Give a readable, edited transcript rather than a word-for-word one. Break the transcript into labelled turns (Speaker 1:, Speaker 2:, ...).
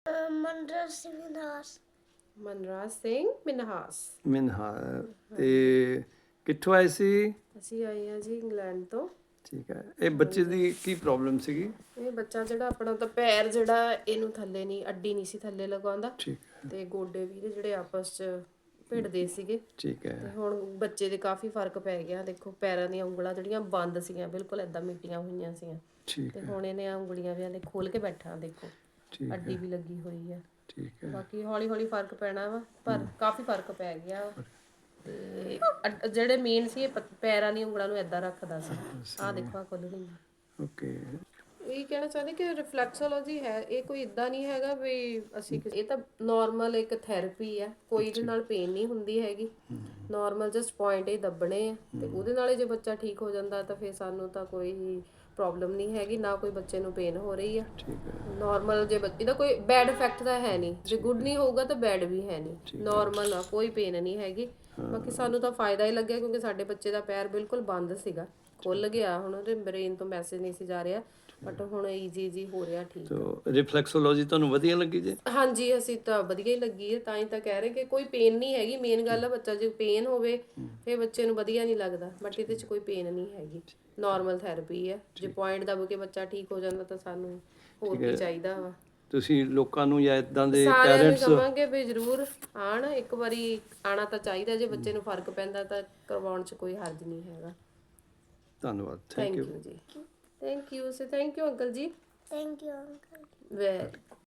Speaker 1: ਮਨਰਾਜ ਸਿੰਘ ਮਿਨਹਾਸ।
Speaker 2: ਮਨਰਾਜ ਸਿੰਘ ਮਿਨਹਾਸ।
Speaker 3: ਮਿਨਹਾ ਤੇ ਕਿੱਥੋਂ ਆਏ ਸੀ?
Speaker 2: ਅਸੀਂ ਆਏ ਹਾਂ ਜੀ ਇੰਗਲੈਂਡ ਤੋਂ।
Speaker 3: ਠੀਕ ਹੈ। ਇਹ ਬੱਚੇ ਦੀ ਕੀ ਪ੍ਰੋਬਲਮ ਸੀਗੀ?
Speaker 2: ਇਹ ਬੱਚਾ ਜਿਹੜਾ ਆਪਣਾ ਤਾਂ ਪੈਰ ਜਿਹੜਾ ਇਹਨੂੰ ਥੱਲੇ ਨਹੀਂ, ਅੱਡੀ ਨਹੀਂ ਸੀ ਥੱਲੇ ਲਗਾਉਂਦਾ,
Speaker 3: ਠੀਕ ਹੈ।
Speaker 2: ਤੇ ਗੋਡੇ ਵੀ ਜਿਹੜੇ ਆਪਸ 'ਚ ਭਿੜਦੇ ਸੀਗੇ।
Speaker 3: ਠੀਕ
Speaker 2: ਤੇ
Speaker 3: ਹੈ।
Speaker 2: ਹੁਣ ਬੱਚੇ ਦੇ ਕਾਫੀ ਫਰਕ ਪੈ ਗਿਆ। ਦੇਖੋ ਪੈਰਾਂ ਦੀਆਂ ਉਂਗਲਾਂ ਜਿਹੜੀਆਂ ਬੰਦ ਸੀਗੀਆਂ, ਬਿਲਕੁਲ ਏਦਾਂ ਮਿੱਟੀਆਂ ਹੋਈਆਂ ਸੀਗੀਆਂ,
Speaker 3: ਠੀਕ
Speaker 2: ਤੇ
Speaker 3: ਹੈ।
Speaker 2: ਹੁਣ ਇਹਨੇ ਆ ਉਂਗਲੀਆਂ ਵੀ ਖੋਲ ਕੇ ਬੈਠਾ, ਦੇਖੋ
Speaker 3: ਠੀਕ
Speaker 2: ਅੱਡੀ
Speaker 3: ਹੈ।
Speaker 2: ਵੀ ਲੱਗੀ ਹੋਈ ਆ।
Speaker 3: ਠੀਕ ਹੈ।
Speaker 2: ਬਾਕੀ ਹੌਲੀ ਹੌਲੀ ਫਰਕ ਪੈਣਾ ਵਾ, ਪਰ ਕਾਫੀ ਫਰਕ ਪੈ ਗਿਆ ਵਾ। ਤੇ ਜਿਹੜੇ ਮੇਨ ਸੀ, ਇਹ ਪੈਰਾਂ ਦੀ ਉਂਗਲਾਂ ਨੂੰ ਏਦਾਂ ਰੱਖਦਾ ਸੀ। ਆਹ ਦੇਖੋ ਆਹ ਖੁੱਲ ਗਈ।
Speaker 3: ਓਕੇ।
Speaker 2: ਇਹ ਕਹਿਣਾ ਚਾਹੁੰਦੇ ਕਿ ਰਿਫਲੈਕਸੋਲੋਜੀ ਹੈ, ਇਹ ਕੋਈ ਇਦਾਂ ਨਹੀਂ ਹੈਗਾ ਵੀ ਅਸੀਂ, ਇਹ ਤਾਂ ਨਾਰਮਲ ਇੱਕ ਥੈਰੇਪੀ ਆ। ਕੋਈ ਇਹਦੇ ਨਾਲ ਪੇਨ ਨਹੀਂ ਹੁੰਦੀ ਹੈਗੀ, ਨਾਰਮਲ ਜਸਟ ਪੁਆਇੰਟ ਹੀ ਦੱਬਣੇ ਆ, ਤੇ ਉਹਦੇ ਨਾਲ ਹੀ ਜੇ ਬੱਚਾ ਠੀਕ ਹੋ ਜਾਂਦਾ ਤਾਂ ਫਿਰ ਸਾਨੂੰ ਤਾਂ ਕੋਈ ਪ੍ਰੋਬਲਮ ਨਹੀਂ ਹੈਗੀ, ਨਾ ਕੋਈ ਬੱਚੇ ਨੂੰ ਪੇਨ ਹੋ ਰਹੀ ਆ।
Speaker 3: ਠੀਕ ਹੈ।
Speaker 2: ਨਾਰਮਲ ਜੇ ਬੱਚੇ ਦਾ ਕੋਈ ਬੈਡ ਇਫੈਕਟ ਤਾਂ ਹੈ ਨਹੀਂ, ਜੇ ਗੁੱਡ ਨਹੀਂ ਹੋਊਗਾ ਤਾਂ ਬੈਡ ਵੀ ਹੈ ਨਹੀਂ, ਨਾਰਮਲ ਆ, ਕੋਈ ਪੇਨ ਨਹੀਂ ਹੈਗੀ। ਬਾਕੀ ਸਾਨੂੰ ਤਾਂ ਫਾਇਦਾ ਹੀ ਲੱਗਿਆ, ਕਿਉਂਕਿ ਸਾਡੇ ਬੱਚੇ ਦਾ ਪੈਰ ਬਿਲਕੁਲ ਬੰਦ ਸੀਗਾ, ਖੁੱਲ ਗਿਆ। ਹੁਣ ਉਹਦੇ ਬ੍ਰੇਨ ਤੋਂ ਮੈਸੇਜ ਨਹੀਂ ਸੀ ਜਾ ਰਿਹਾ, ਬਟ ਹੁਣ ਈਜ਼ੀ ਹੋ ਰਿਹਾ ਠੀਕ।
Speaker 3: ਤੋ ਰਿਫਲੈਕਸੋਲੋਜੀ ਤੁਹਾਨੂੰ ਵਧੀਆ ਲੱਗੀ ਜੀ?
Speaker 2: ਹਾਂਜੀ, ਅਸੀਂ ਤਾਂ ਵਧੀਆ ਹੀ ਲੱਗੀ ਹੈ, ਤਾਂ ਹੀ ਤਾਂ ਕਹਿ ਰਹੇ ਕਿ ਕੋਈ ਪੇਨ ਨਹੀਂ ਹੈਗੀ। ਮੇਨ ਗੱਲ ਆ, ਬੱਚਾ ਜੇ ਪੇਨ ਹੋਵੇ ਫਿਰ ਬੱਚੇ ਨੂੰ ਵਧੀਆ ਨਹੀਂ ਲੱਗਦਾ, ਬਟ ਇਹਦੇ 'ਚ ਕੋਈ ਪੇਨ ਨਹੀਂ ਹੈਗੀ, ਨਾਰਮਲ ਥੈਰੇਪੀ ਹੈ। ਜੇ ਪੁਆਇੰਟ ਦੱਬ ਕੇ ਬੱਚਾ ਠੀਕ ਹੋ ਜਾਂਦਾ ਤਾਂ ਸਾਨੂੰ ਹੋਰ ਕੀ ਚਾਹੀਦਾ ਵਾ।
Speaker 3: ਤੁਸੀਂ ਲੋਕਾਂ ਨੂੰ ਜਾਂ ਇਦਾਂ ਦੇ
Speaker 2: ਸਾਰਿਆਂ ਨੂੰ
Speaker 3: ਪੈਰੈਂਟਸ?
Speaker 2: ਕਹਾਂਗੇ ਵੀ ਜ਼ਰੂਰ ਆਣ, ਇੱਕ ਵਾਰੀ ਆਣਾ ਤਾਂ ਚਾਹੀਦਾ। ਜੇ ਬੱਚੇ ਨੂੰ ਫਰਕ ਪੈਂਦਾ ਤਾਂ ਕਰਵਾਉਣ 'ਚ ਕੋਈ ਹਰਜ ਨਹੀਂ ਹੈਗਾ।
Speaker 3: ਧੰਨਵਾਦ।
Speaker 2: ਥੈਂਕ ਯੂ ਜੀ। ਥੈਂਕ ਯੂ ਅੰਕਲ ਜੀ।
Speaker 1: Thank you uncle.
Speaker 2: ਵੈਰੀ